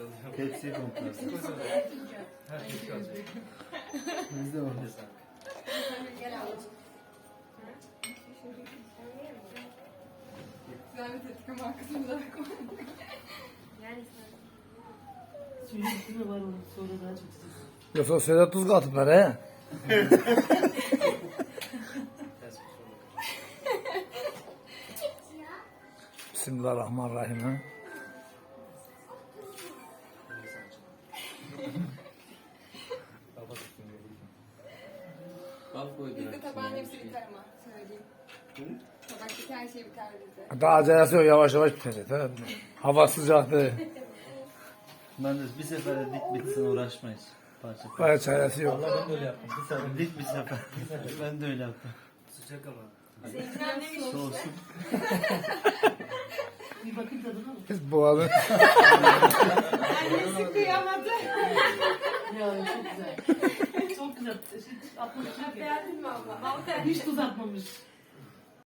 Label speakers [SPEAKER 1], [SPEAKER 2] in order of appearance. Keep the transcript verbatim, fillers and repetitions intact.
[SPEAKER 1] Tepsiyi komplarsın.
[SPEAKER 2] Her tepsi alacak.
[SPEAKER 1] Bizde var.
[SPEAKER 3] Gel ablacığım. Güzel bir tetik ama arkasını da koy. Yani
[SPEAKER 4] Suyun üstüne var onun sonra daha çok sıcak.
[SPEAKER 5] Yoksa Sedat tuz katıplar he. Bismillahirrahmanirrahim ha.
[SPEAKER 3] bizde tabağın hepsi biter ama söyleyeyim. Tabaktaki her şey biter bizde.
[SPEAKER 5] Daha acelesi yok, yavaş yavaş bitecek. Ha? Hava sıcaktı.
[SPEAKER 1] Ben de bir sefere dik bitsin uğraşmayız. Parça parça.
[SPEAKER 5] Bayağı çaresi yok.
[SPEAKER 2] Allah ben de öyle yaptım. Bir sefer.
[SPEAKER 1] Dik bir sefer. Ben de öyle yaptım.
[SPEAKER 2] Sıcak ama.
[SPEAKER 3] Seninkiler neymiş?
[SPEAKER 1] Soğusun.
[SPEAKER 4] Bir bakın tadına mı?
[SPEAKER 5] Biz boğazı.
[SPEAKER 3] Annesi kıyamadı.
[SPEAKER 4] Ya çok güzel. Çok güzel. Hiç atmamış.
[SPEAKER 3] Beğendin mi abla? Vallahi
[SPEAKER 4] Hiç tuz atmamış.